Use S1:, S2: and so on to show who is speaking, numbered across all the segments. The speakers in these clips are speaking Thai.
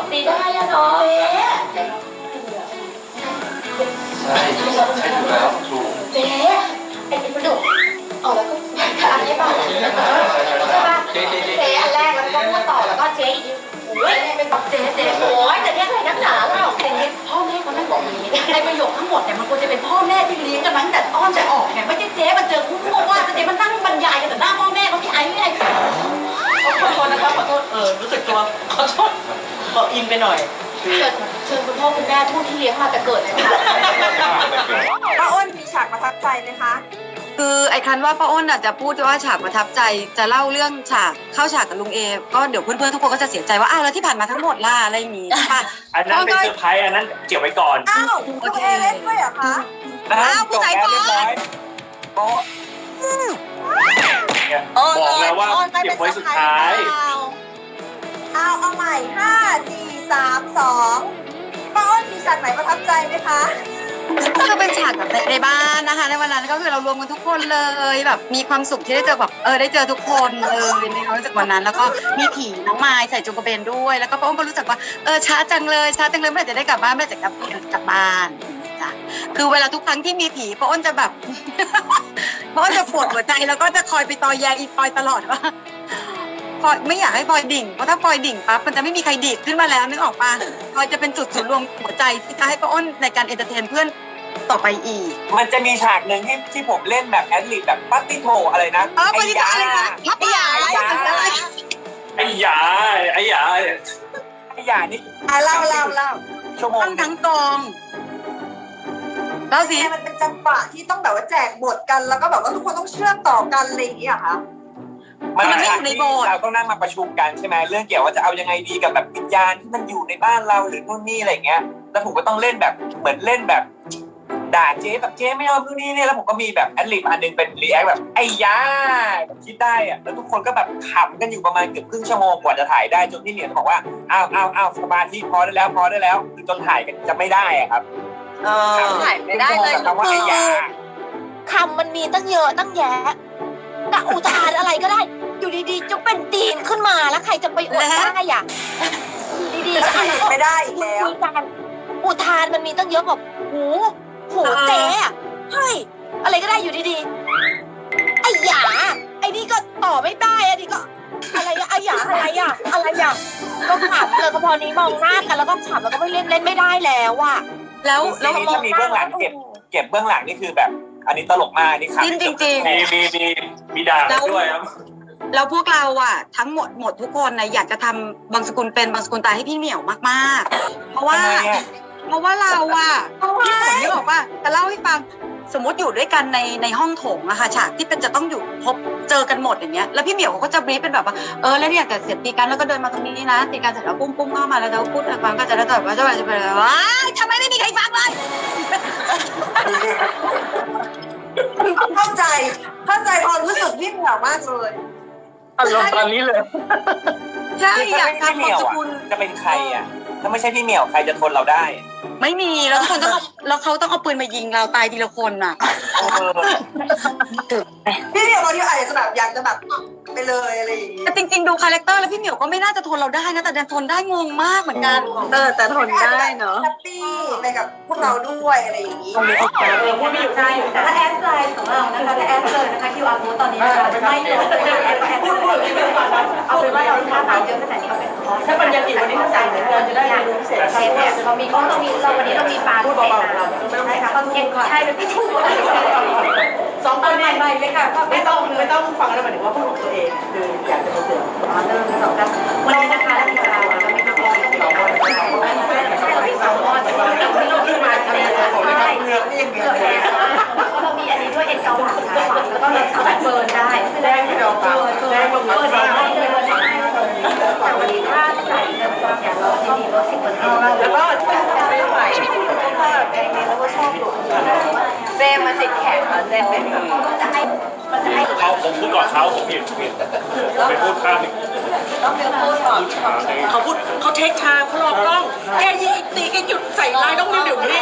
S1: ตีได้อะเนาะ
S2: ใช่ถูกแล้วถูก
S1: เจ๊ไอ้ประดุกอ๋อแล้วก็อันนี้ป่ะใช่ป่ะเจ๊อันแรกแล้วก็พูดต่อแล้วก็เจ๊อีกโอ้ยเป็นแบบเจ๊โอ้ยแต่เนี้ยอะไรนักหนาเล่าแต่เนี้ยพ่อแม่เขานั่งบอกอย่างนี้ในประโยคทั้งหมดเนี่ยมันควรจะเป็นพ่อแม่ที่เลี้ยงกันมาตั้งแต่อ้อนจะออกไงไม่ใช่เจ๊มาเจอคู่ว่าเจ๊มันนั่งบรรยายกันแต่หน้าพ่อแม่เขาพี่ไอ้ไม่ไอ้
S3: ขอโทษนะครับขอโทษรู้สึกตัวขอโทษขออินไปหน่อย
S1: เชิญคุณพ่อคุณแม่ผู้ที่เลี้ยงมาแต่เกิดเลยค่ะ
S4: ป้าอ้นมีฉากประทับใจไหมคะ
S5: คือไอ้คันว่าป้าอ้นจะพูดว่าฉากประทับใจจะเล่าเรื่องฉากเข้าฉากกับลุงเอก็เดี๋ยวเพื่อนๆทุกคนก็จะเสียใจว่าอ้าวแล้วที่ผ่านมาทั้งหมดล่ะอะไรอย่างงี้ค่ะ
S6: อันนั้นเป็นเซอร์ไพรส์อันนั้นเก็บไว้ก่อน
S4: อ้าวลุงเอเล่นด้วยเหรอคะ
S5: อ้าวผู้ชายบอล
S6: บอกแล้วว่าเก็บไว้สุดท้าย
S4: เอาใหม่5 4 3 2ป้าอ้นมีฉากไหนประทับใจไหมคะ
S5: ก็เป็นฉากแบบในบ้านนะคะในวันนั้นก็คือเรารวมกันทุกคนเลยแบบมีความสุขที่ได้เจอแบบได้เจอทุกคนเลยในความรู้สึกวันนั้นแล้วก็มีผีน้องไม้ใส่จุงกระเบนด้วยแล้วก็ป้าอ้นก็รู้สึกว่าช้าจังเลยเมื่อไหร่จะได้กลับบ้านเมื่อไหร่จะกลับบ้านจ้ะคือเวลาทุกครั้งที่มีผีป้าอ้นจะแบบ ป้าอ้นจะปวดหัวใจแล้วก็จะคอยไปตอแยอีปอยตลอดว่าพอยไม่อยากให้พลอยดิ่งเพราะถ้าพลอยดิ่งปั๊บมันจะไม่มีใครดีดขึ้นมาแล้วนึกออกปะพลอยจะเป็นจุดศูนย์รวมหัวใจที่จะให้ป้าอ้นในการเอนเตอร์เทนเพื่อนต่อไปอีก
S2: มันจะมีฉากหนึ่งที่ผมเล่นแบบแอดลิบแบบปัตติโถอะไรนะ
S5: ไอ้ยาพับยา
S6: ไอ้หยา
S2: นี่
S4: เล่า
S2: ชั่วโมง
S5: ทั้งกองแล้วสิ
S4: มันเป็นจังหวะที่ต้องแบบว่าแจกบทกันแล้วก็แบบว่าทุกคนต้องเชื่อมต่อกันอะไรอย่างเงี้ยค่ะ
S5: มันไม่อยู่ในบท
S2: เราต้องนั่งมาประชุมกันใช่ไหมเรื่องเกี่ยวว่าจะเอายังไงดีกับแบบวิญญาณที่มันอยู่ในบ้านเราหรือนู่นนี่อะไรเงี้ยแล้วผมก็ต้องเล่นแบบเหมือนเล่นแบบด่าเจ๊แบบเจ๊ไม่เอานู่นนี่เนี่ยแล้วผมก็มีแบบแอดลิบอันนึงเป็นรีแอคแบบไอ้ยาคิดได้อะแล้วทุกคนก็แบบขำกันอยู่ประมาณเกือบครึ่งชั่วโมงกว่าจะถ่ายได้จนพี่เหนียวบอกว่าอ้าวสมาธิพอได้แล้วคือจนถ่ายกันจะไม่ได้อะครับ
S1: ถ่ายไม่ได้เลย
S2: คำว่าไอ้ยา
S1: คำมันมีตั้งเยอะตั้งแยะกะอุทานอะไรก็ได้อยู่ดีๆจะเป็นตีนขึ้นมาแล้วใครจะไปอดได้อ่ะอยู่ดีๆ
S4: ไม่ได้อีกแล้ว
S1: อุทานมันมีตั้งเยอะแบบหูเจ๊อะเฮ้ยอะไรก็ได้อยู่ดีๆไอ้หยาไอ้นี่ก็ต่อไม่ได้อันนี้ก็อะไรอะไอ้หยาอะไรอะก็ขำเลยก็พอนี้มองหน้ากันแล้วก็ขำแล้วก็ไม่เล่นไม่ได้แล้วอะ
S5: แล้ว
S2: ถ้ามีเบื้องหลังเก็บเบื้องหลังนี่คือแบบอันนี้ตลกมากนี่ครับ
S5: จริง
S6: มีด่าด้วยครับ
S5: แล้วพวกเราทั้งหมดทุกคนอยากจะทำบางสกุลเป็นบางสกุลตายให้พี่เหมียวมากๆเพราะว่าเราพี่ผมนี่บอกว่าจะเล่าให้ฟังสมมติอยู่ด้วยกันในห้องโถงอะค่ะฉากที่เป็นจะต้องอยู่พบเจอกันหมดอย่างเงี้ยแล้วพี่เหมียวเขาก็จะบรีฟเป็นแบบว่าแล้วเนี่ยแต่เสร็จตีกันแล้วก็เดินมาตรงนี้นะตีกันเสร็จแล้วปุ้มเข้ามาแล้วเราพูดฟังก็จะได้แบบว่าจะไปว้ายทำไมไม่มีใครฟังเลย
S4: เข้าใจความรู้สึกพี่เหมียวมากเลย
S6: อารมณ์ตอนนี้เลย
S5: ใช่อยากทำบางสกุล
S2: จะเป็นใครอ่ะถ้าไม่ใช่พี่เหมียวใครจะทนเราได้
S5: ไม่มีแล้วคนต้องแล้วเขาต้องเอาปืนมายิงเราตายทีละคนน่ะ
S4: พี่เหมียวบางทีอาจจะแบบอยากจะแบบไปเลยอะไรอย่างงี้
S5: แต่จริงๆดูคาแรคเตอร์แล้วพี่เหมียวก็ไม่น่าจะทนเราได้นะแต่ดันทนได้งงมากเหมือนกัน
S4: แต่ทนได้เนาะแฮปปี้ไปกับพวกเราด้วยอะไรอย่างงี้
S1: พูดไม่อยู่ใช่แต่ถ้าแอดไลน์ของเรานะคะถ้าแอดเลยนะคะ QR code ตอนนี้นะคะจะไม่ลดเอาเป็นว่าเราลูกค้าเยอะขนาดนี้เอาเป็นคอร์ส
S3: ถ้าปัญญากิจวันนี้ถ้าสั่งเราจะได้เรียนรู้พิเศษ
S1: เชฟเนี่ยเราวันนี้เรามีปลาพิเศษมาใช่ค่ะต้องเก็บใช่เป็นพี่ชู
S3: 2 คนใหม่เลยค่ะไม่ต้องฟังแล้วหมายถึงว่าพูดของตัวเองคืออยากจะมาเตือน
S1: เริ่มสองกันวันนี้นะคะเรามีปลาเรามีปลาเรามี2 ก้อนเรามีมาทะเลใช่เรามีอันนี้ด้วยเอ็นเกาหลีค่ะแล้วก็เราสามารถเบิร์นได้
S3: แดงที่เราเบิร์นได้
S1: แต่วันนี้ถ้าใส่เริ่มต้นอย่างเราจะมีลด10%
S3: แล้วก็ไม่ไหว
S1: ถ้าแกงนี้เราก็ชอบอยู่เจมันติดแขนเจเป็นมันจะให้
S6: ผมพูดก่อนเขาผมผิดไปพูดข้าม
S1: ต้องเป็นพูดก่อน
S3: เขาเทคทางเขารอกล้องแกยิงตีแกหยุดใส่ลายต้องเดี๋ยวนี้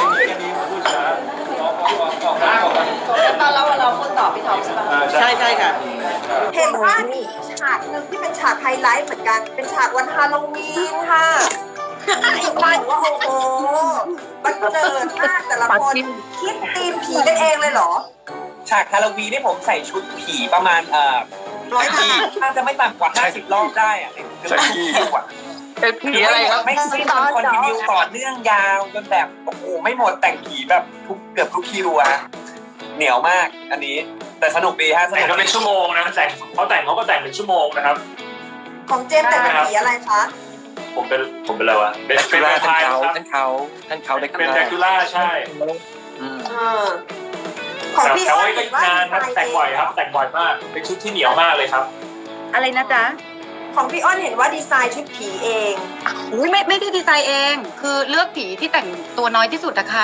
S1: แล้วตอนเราพูดต่อพี่ท็อปใช่ปะ
S3: ใช่ค่ะ
S4: เห็นว่ามีฉากหนึ่งที่เป็นฉากไฮไลท์เหมือนกันเป็นฉากวันฮาโลวีนค่ะว่าโอ้โหบันเจิดมากแต่ละคนคิดธีมผีกันเองเลยเหรอ
S2: ฉากฮาโลวีนนี่ผมใส่ชุดผีประมาณ
S5: 100 ครั้ง
S2: น่าจะไม่ต่ำกว่า50 รอบได้อะใช่กว่า
S7: เป็นผีอะไรครับ
S2: ไม่สิ้นจนคอนติเนียต่อเนื่องยาวจนแบบโอ้โหไม่หมดแต่งผีแบบเกือบทุกคิวอะเหนียวมากอันนี้แต่สนุกดีฮะส
S6: แต่
S2: นุก
S6: งก็เป็นชั่วโมงนะแต่งเขาก็แต่งเป็นชั่วโมงนะครับ
S4: ของเจมส์แต่งเป็นผีอะไรคะ
S6: ผมเป็นอะไรวะเป็น
S7: แดก
S6: แว
S7: คู
S6: ม
S7: ล่า
S6: ไพร์ครับ
S7: ท่านเขาแดกคู
S6: เป็น
S7: ล่า
S6: แดกคูล่าใช่
S4: ของพี่
S6: แต่
S4: อ้อ
S6: ว่าน ก็
S4: เห็นว่าน
S6: านครับแต่งบ่อยครับ แต่งบ่อยมากเป็นชุดที่เหนียวมากเลยครับ
S5: อะไรนะจ๊ะ
S4: ของพี่อ้อนเห็นว่าดีไซน์ชุดผีเอง
S5: อุ้ยไม่ได้ดีไซน์เอง คือเลือกผีที่แต่งตัวน้อยที่สุดอะค่ะ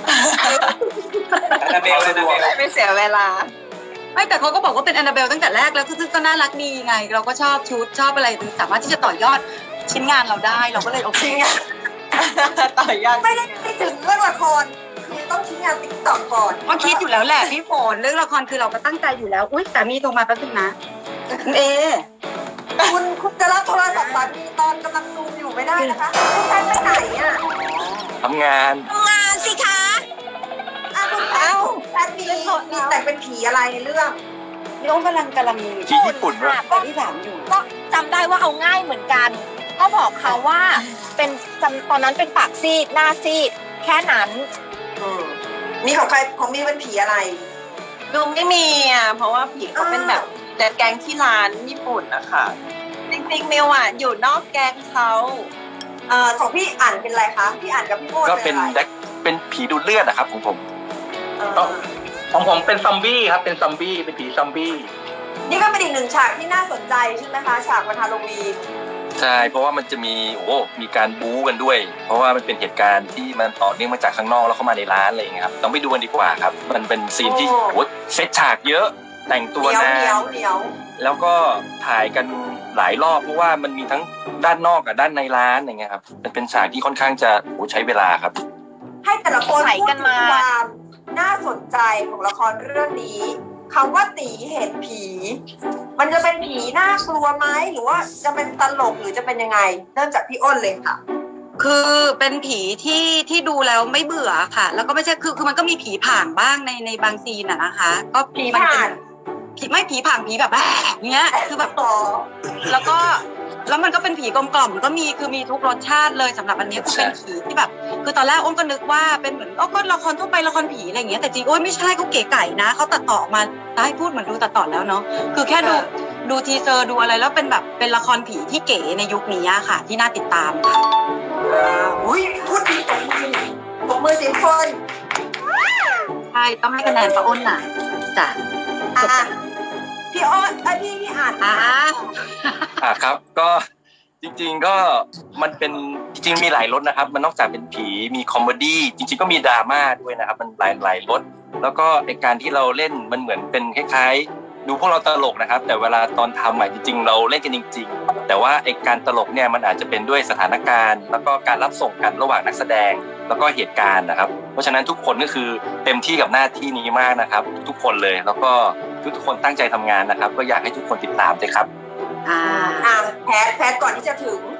S2: แอนนาเบลเลยนะเบล
S5: ไม่เสียเวลา ไม่แต่เขาก็บอกว่าเป็นแอนนาเบลตั้งแต่แรกแล้วคือก็น่ารักดีไง เราก็ชอบชุดชอบอะไรสามารถที่จะต่อยอดชิ้นงานเราได้เราก็เลยโอเคต่อยอด
S4: ไม่ได้ไปถึงเรื่องละครคือต้องทิ้งงานติ๊กต็อกก่อน
S5: ก็คิดอยู่แล้วแหละพี่ฝนเรื่องละครคือเราก็ตั้งใจอยู่แล้วอุ้ยสามีโทรมาแป๊บนึงนะคุณเอ
S4: คุณจะรับโทรศัพท์สามีตอนกำลังซูมอยู่ไม่ได้นะคะคุณแพทย์ไปไหนอ่ะ
S7: ทำงาน
S4: ทำงานสิคะคุณแพทย์มีแต่งเป็นผีอะไรในเรื่อง
S5: พี่โอ้กำลัง
S7: ที่ญี่ปุ่นด้วย
S5: แต่ที่ถามอยู่
S1: ก็จำได้ว่าเอาง่ายเหมือนกันก็บอกเขาว่าเป็นตอนนั้นเป็นปากซีดหน้าซีดแค่นั้น
S4: มีของใครของมีเป็นผีอะไร
S3: ดูไม่มีอ่ะเพราะว่าผีเขาเป็นแบบแต่แกงที่ร้านญี่ปุ่นนะคะจริงๆมิวอ่ะอยู่นอกแกงเขา
S4: ของพี่อ่านเป็นอะไรคะพี่อ่านกับพี่โมด
S7: ก็เป็น
S4: อะไร
S7: เป็นผีดูดเลือดนะครับของผม
S8: ของผมเป็นซอมบี้ครับ เป็นซอมบี้ เป็นผีซอมบี้
S4: นี่ก็เป็นอีกหนึ่งฉากที่น่าสนใจใช่ไหมคะฉากวันฮาโลวีน
S7: ใช่เพราะว่ามันจะมีมีการบู๊กันด้วย เพราะว่ามันเป็นเหตุการณ์ที่มันต่อเนื่องมาจากข้างนอกแล้วเข้ามาในร้านอะไรอย่างเงี้ยครับต้องไปดูกันดีกว่าครับมันเป็นซีนที่เซตฉากเยอะแต่งตัว
S4: เหนียวน
S7: าน
S4: เหนียวเหนียว
S7: แล้วก็ถ่ายกันหลายรอบเพราะว่ามันมีทั้งด้านนอกกับด้านในร้านอย่างเงี้ยครับมันเป็นฉากที่ค่อนข้างจะใช้เวลาครับ
S4: ให้แต่ละคน
S1: ไหล
S4: พูด
S1: กัน
S4: ถึง
S1: มา
S4: ความน่าสนใจของละครเรื่องนี้คำว่าตีเห็นผี มันจะเป็นผีน่ากลัวไหมหรือว่าจะเป็นตลกหรือจะเป็นยังไงเริ่มจากพี่อ้นเลยค่ะ
S5: คือเป็นผีที่ดูแล้วไม่เบื่อค่ะ แล้วก็ไม่ใช่คือมันก็มีผีผ่างบ้างในบางซีนอะนะคะ ก็ผีมันเป็นผีผ่างผีแบบเงี้ยคือแบบ แล้วมันก็เป็นผีกลมๆก็มีคือมีทุกรสชาติเลยสำหรับอันนี้คือเป็นผีที่แบบ คือตอนแรกอ้นก็นึกว่าเป็นเหมือนก็ละครทั่วไปละครผีอะไรอย่างเงี้ยแต่จริงโอ้ยไม่ใช่เขาเก๋ไก่นะเขาตัดต่อออกมาได้พูดเหมือนดูตัดต่อแล้วเนาะคือแค่ดูทีเซอร์ดูอะไรแล้วเป็นแบบเป็นละครผีที่เก๋ในยุคนี้ค่ะ ที่น่าติดตามค่ะ
S4: อุ้ยพูดดีตบมือสิคน
S5: ใช่ต้องให้คะแนนป้าอ้นน่ะจ้ะ
S4: พี่อ้นพี่อ่าน
S7: ครับก็จริงๆก็มันเป็นจริงๆมีหลายรสนะครับมันนอกจากเป็นผีมีคอมเมดี้จริงๆก็มีดราม่าด้วยนะครับมันหลายรสแล้วก็ไอการที่เราเล่นมันเหมือนเป็นคล้ายๆดูพวกเราตลกนะครับแต่เวลาตอนทำจริงๆเราเล่นกันจริงๆแต่ว่าไอการตลกเนี่ยมันอาจจะเป็นด้วยสถานการณ์แล้วก็การรับส่งกันระหว่างนักแสดงแล้วก็เหตุการณ์นะครับเพราะฉะนั้นทุกคนก็คือเต็มที่กับหน้าที่นี้มากนะครับทุกคนเลยแล้วก็ทุกคนตั้งใจทำงานนะครับก็อยากให้ทุกคนติดตามด้วยครับ
S4: แพทก่อนที่จะถึง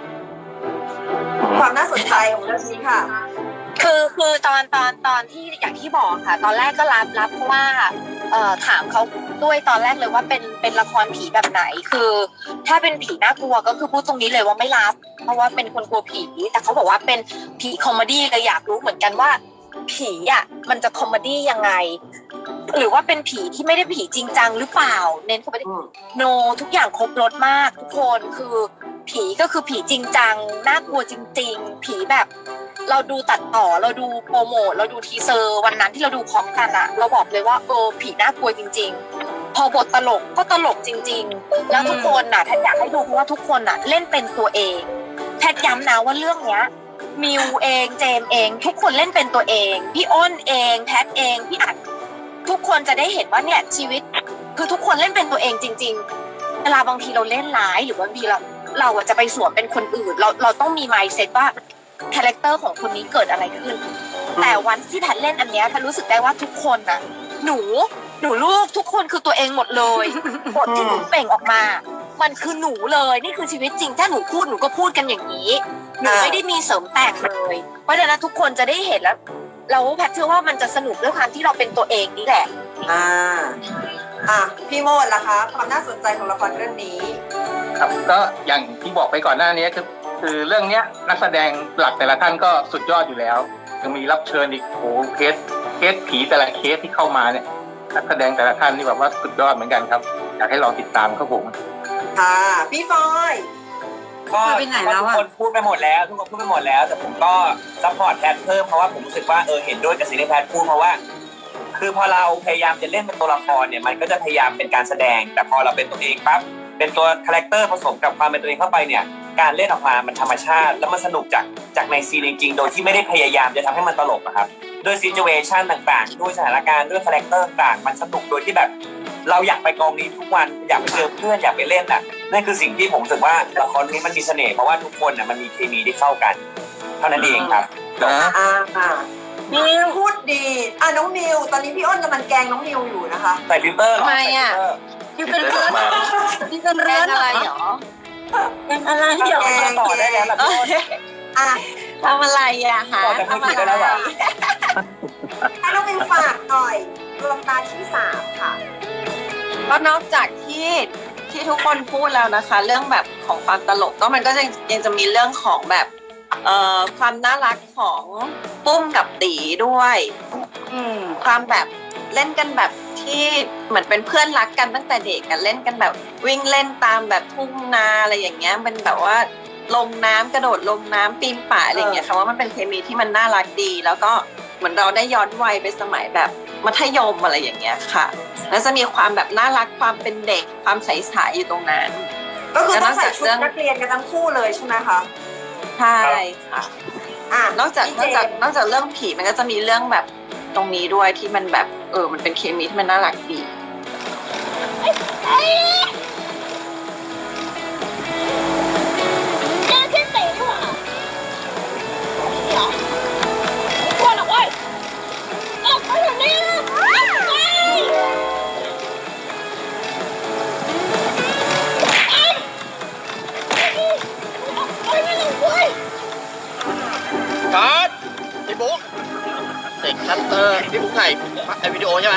S4: ความน่าสนใจของเรื่องนี้ค่ะ
S1: คือตอนที่อย่างที่บอกค่ะ ตอนแรกก็รับเพราะว่าถามเขาด้วยตอนแรกเลยว่าเป็นละครผีแบบไหนคือ ถ้าเป็นผีน่ากลัวก็คือพูดตรงนี้เลยว่าไม่รับ เพราะว่าเป็นคนกลัวผีแต่เขาบอกว่าเป็นผีคอมเมดี้เลยอยากรู้เหมือนกันว่าผีมันจะคอมเมดี้ยังไง หรือว่าเป็นผีที่ไม่ได้ผีจริงจังหรือเปล่าเน้นคอมเมดี้โนทุกอย่างครบรสมากทุกคนคือผีก็คือผีจริงจังน่ากลัวจริงๆผีแบบเราดูตัดต่อเราดูโปรโมทเราดูทีเซอร์วันนั้นที่เราดูพร้อมกันเราบอกเลยว่าผีน่ากลัวจริงๆพอบทตลกก็ตลกจริงๆแล้วทุกคนแพทย์อยากให้ดูเพราะว่าทุกคนเล่นเป็นตัวเองแพทย์ย้ำนะว่าเรื่องเนี้ยมิวเองเจมเองทุกคนเล่นเป็นตัวเองพี่อ้นเองแพทย์เองพี่อัดทุกคนจะได้เห็นว่าเนี่ยชีวิตคือทุกคนเล่นเป็นตัวเองจริงๆเวลาบางทีเราเล่นร้ายหรือว่าบางทีเราจะไปสวมเป็นคนอื่นเราต้องมี mindset ว่าคาแรคเตอร์ของคนนี้เกิดอะไรขึ้นแต่วันที่แพทเล่นอันเนี้ยแพทรู้สึกได้ว่าทุกคนหนูลูกทุกคนคือตัวเองหมดเลยบทที่หนูเปล่งออกมามันคือหนูเลยนี่คือชีวิตจริงถ้าหนูพูดหนูก็พูดกันอย่างนี้หนูไม่ได้มีเสริมแต่งเลยเพราะฉะนั้นทุกคนจะได้เห็นแล้วเราแพทย์เชื่อว่ามันจะสนุกด้วยความที่เราเป็นตัวเองนี่แหละ
S4: พี่โมดล่ะคะความน่าสนใจของละครเรื่องนี้
S8: ครับก็อย่างที่บอกไปก่อนหน้านี้คือเรื่องเนี้ยนักแสดงหลักแต่ละท่านก็สุดยอดอยู่แล้วยังมีรับเชิญอีกโอ้เคสผีแต่ละเคสที่เข้ามาเนี่ยนักแสดงแต่ละท่านนี่แบบว่าสุดยอดเหมือนกันครับอยากให้ลองติดตามครับผม
S4: ค่ะพี่ฟอย
S2: ก็
S5: ไปไหนแล้วอะ
S2: ทุกคนพูดไปหมดแล้วทุกคนพูดไปหมดแล้วแต่ผมก็ซัพพอร์ตแพทเพิ่มเพราะว่าผมรู้สึกว่าเห็นด้วยกับสิ่งที่แพทพูดเพราะว่าคือพอเราพยายามจะเล่นเป็นตัวละครเนี่ยมันก็จะพยายามเป็นการแสดงแต่พอเราเป็นตัวเองปั๊บเป็นตัวคาแรคเตอร์ผสมกับความเป็นตัวเองเข้าไปเนี่ยการเล่นออกมามันธรรมชาติแล้วมันสนุกจากในซีนจริงๆโดยที่ไม่ได้พยายามจะทำให้มันตลกนะครับด้วยซิจูเอชันต่างๆด้วยสถานการณ์ด้วยคาแรคเตอร์ต่างๆมันสนุกโดยที่แบบเราอยากไปกองนี้ทุกวันอยากไปเจอเพื่อนอยากไปเล่นน่ะนั่นคือสิ่งที่ผมรู้สึกว่าละครนี้มันมีเสน่ห์เพราะว่าทุกคนน่ะมันมีเคมีที่เข้ากันเท่านั้นเองครับ
S4: มิวพูดดีน้องมิวตอนนี้พี่อ้นกำลังแกล้งน้องมิวอยู่นะคะ
S2: ใส่ฟิลเตอร์เหรอ
S3: ทำไมอะ
S5: อยู่เป็นเรือนอยู่เป็นเรือนอะไรเหรอ
S3: เป็นอะไร
S2: เดี๋ยวมาต่อได้แล้วล่ะพี่อ้น
S3: ทำอะไรอะฮะ
S2: ต่อจากมือถือได้แล้วเหรอ
S4: ให้น้องมิวฝากหน่อยดวงตาที่3ค่ะ
S3: ก็นอกจากที่ทุกคนพูดแล้วนะคะ เรื่องแบบของความตลกก็มันก็ยังจะมีเรื่องของแบบความน่ารักของปุ้มกับตีด้วยความแบบเล่นกันแบบที่เหมือนเป็นเพื่อนรักกันตั้งแต่เด็กกันเล่นกันแบบวิ่งเล่นตามแบบทุ่งนาอะไรอย่างเงี้ยเป็นแบบว่าลงน้ำกระโดดลงน้ำปีนป่ายอะไรอย่างเงี้ยค่ะว่ามันเป็นเคมีที่มันน่ารักดี แล้วก็เหมือนเราได้ย้อนวัยไปสมัยแบบมัธยมอะไรอย่างเงี้ยค่ะแล้วจะมีความแบบน่ารักความเป็นเด็กความใสๆอยู่ตรงนั้น
S4: ก็คือต้องใส่ชุดนักเรียนกันทั้งคู่เลยใช่ไหมคะ
S3: ใช่ค่ะนอกจากเรื่องผีมันก็จะมีเรื่องแบบตรงนี้ด้วยที่มันแบบมันเป็นเคมีที่มันน่ารักดี
S6: ครับพี่บุ๊กเสกชัตเตอร์พี่บุ๊กถ่ายวิดีโอใช่ไหม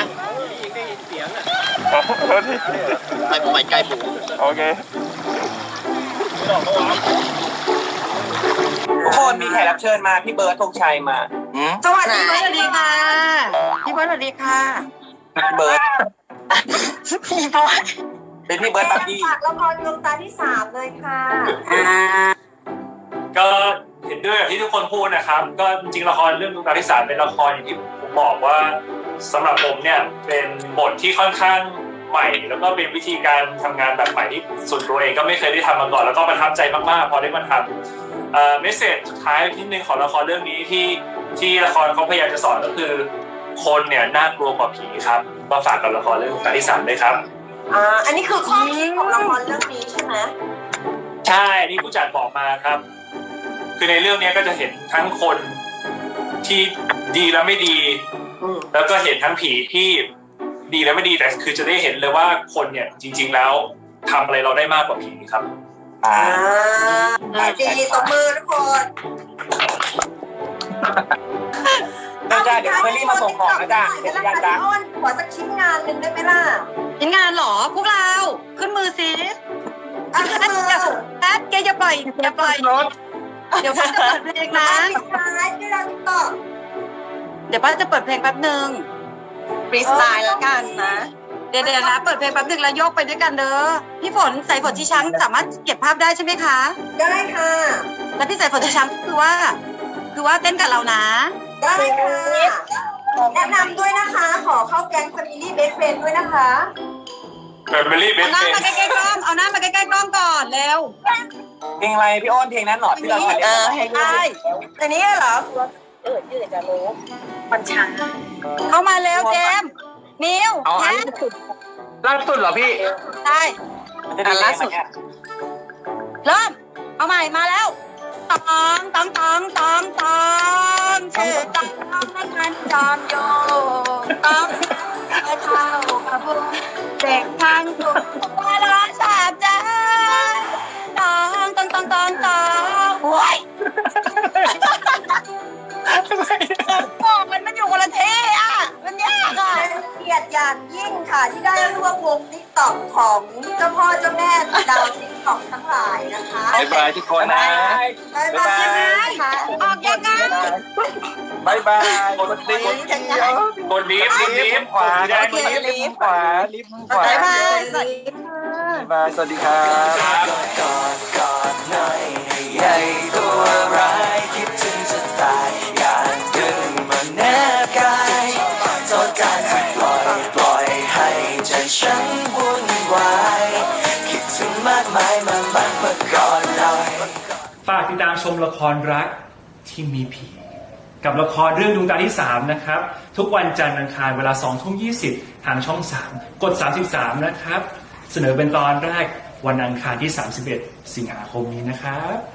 S6: ถ่ายผมใหม่ใกล้บุ๊กโอเค
S2: ทุกคนมีแขกรับเชิญมาพี่เบิร์ดธงชัยมา
S4: สวัสดี
S5: สวัสดีค่ะพี่บอลสวัสดีค่ะ
S2: พี่เบิร์ด
S3: พี่บอย
S2: เป็นพี่เบิร์ดบักกี้
S4: ฝากละครดวงตาที่3เลยค่ะ
S6: ก็เห็นด้วยกับที่ทุกคนพูดนะครับก็จริงๆละครเรื่องดวงตาที่3เป็นละครอย่างที่ผมบอกว่าสำหรับผมเนี่ยเป็นบทที่ค่อนข้างใหม่แล้วก็เป็นวิธีการทำงานแบบใหม่ที่ส่วนตัวเองก็ไม่เคยได้ทำมาก่อนแล้วก็ประทับใจมากๆพอได้มาทำเมสเสจสุดท้ายนิดนึงของละครเรื่องนี้ที่ละครเขาพยายามจะสอนก็คือคนเนี่ยน่ากลัวกว่าผีครับมาฝากกับละครเรื่องดวงตาที่3ด้วยครับ
S4: อันนี้คือข้อคิดของละครเรื่องนี้ใช่ไหม
S6: ใช่นี่ผู้จัดบอกมาครับคือในเรื่องนี้ก็จะเห็นทั้งคนที่ดีและไม่ดีแล้วก็เห็นทั้งผีที่ดีและไม่ดีแต่คือจะได้เห็นเลยว่าคนเนี่ยจริงๆแล้วทำอะไรเราได้มากกว่าผีครับ
S4: ดีตบมือทุกคน
S2: เดี๋ยวเฟอร์รี่มาส่งของนะจ๊ะเป็นยานจ้า
S4: อ้นขอสักชิ้นงานหนึ่งได้ไหมล่ะ
S5: ชิ้นงานเหรอพวกเราขึ้นมือสิ
S4: ขึ้นมือ
S5: แอดแกอย่าปล่อยเดี๋ยวพ่อจะเปิดเพลงนะ
S4: ปิดท้ายด้วยเราติ๊กต็อก
S5: เดี๋ยวพ่อจะเปิดเพลงแป๊บนึง
S3: ฟรีสไตล์แล้วกันนะ
S5: เดี๋ยวนะเปิดเพลงแป๊บนึงแล้วโยกไปด้วยกันเด้อพี่ฝนใส่ฝนที่ช้างสามารถเก็บภาพได้ใช่ไหมคะ
S4: ได้ค่ะ
S5: แล้วพี่ใส่ฝนที่ช้างคือว่าเต้นกับเรานะ
S4: ได้ค่ะแนะนำด้วยนะคะ ขอเข้าแก๊ง Family Best Friend ด้วยนะคะ
S6: Family
S5: เอา
S6: Best
S5: หน้า
S6: Friend
S5: มาใกล้ๆกล้องเอาหน้ามาใกล้ๆกล้องก่อนเร็ว
S2: เพลงอะไรพี่อ้นเพลงนั้นหนอที่เราถ่าย
S3: ให้ดู
S4: อันนี้เหรอ
S1: มันช้า
S5: เข้ามาเร็วเจมส์นิว
S8: เอาอัน
S5: แฮ
S8: นี้ล่าสุดเหรอพี่
S5: ได้
S2: ล่าสุดเนี่ย
S5: เริ่มเอาใหม่มาแล้วตองชื่อตองให้มันจอมโยตองเท้ากระพุ้งเด็กทางถูกตัวละสามใจ
S4: ค่ะที่ได้ร่วมวงติ๊กต็อกของเจ้าพ่อเจ้าแม่ดาวติ๊กต็อกทั้งหลายนะคะ
S7: บ๊ายบายทุกคนนะ
S4: บ๊ายบายค่ะ
S5: ออกยังไง
S7: บ๊ายบายกดลิฟต์
S6: กดลิฟต์ลิฟต์
S7: ขวา
S6: สีแดง
S7: ลิฟต์ขวาลิฟต์ขวา
S3: บ๊ายบายสวัสดีค่ะ
S7: บ๊ายบายสวัสดีครับ
S9: กอดหน่อยให้ใหญ่ตัวร้ายคิดถึงจะตายอยากดึงมาแนบกายโทษการที่ปล่อยให้ใจฉันวุ่นวายคิดถึงมากมายมากอดหน่อย
S6: ฝากติดตามชมละครรักที่มีผี กับละครเรื่องดวงตาที่ 3 นะครับ ทุกวันจันทร์อังคารเวลา 20:20 ทางช่อง 3 กด 33 นะครับ เสนอเป็นตอนแรกวันอังคารที่ 31 สิงหาคมนี้นะครับ